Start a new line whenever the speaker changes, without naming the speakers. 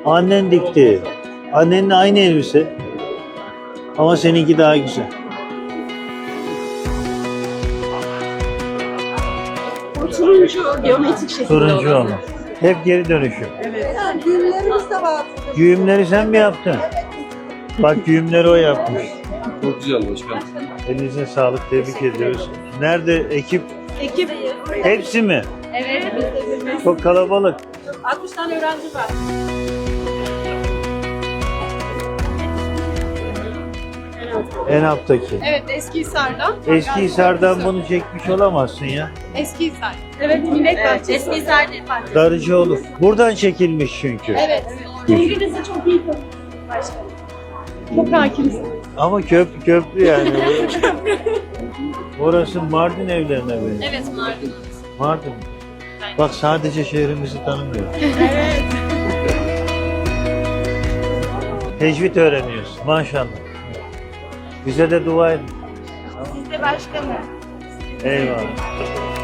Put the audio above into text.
Annen dikti. Annenin aynı elbise. Ama seninki daha güzel.
O turuncu geometrik şekilde
Turuncu
olan.
olan. Hep geri dönüşüm.
Evet.
Düğümlerimiz de var.
Güğümleri sen mi yaptın? Bak güğümleri o yapmış.
Çok güzel başkanım.
Elinize sağlık, tebrik ediyoruz. Nerede ekip?
Ekip.
Hepsi mi?
Evet.
Çok kalabalık.
60 tane öğrenci var.
En alttaki.
Evet, Eskihisar'dan.
Eskihisar'dan bunu çekmiş olamazsın ya.
Eskihisar. Evet, Millet Bahçesi. Eskihisar değil Bahçesi.
Darıcıoğlu. Buradan çekilmiş çünkü.
Evet. İngilizce çok iyi başkanım. Çok hakimsin.
Ama köprü yani. Orası Mardin evlerine benziyor.
Evet, Mardin.
Mardin. Bak sadece şehrimizi tanımıyor.
Evet.
Tecvid öğreniyoruz maşallah. Bize de dua edin.
Siz de başkanım.
Eyvallah.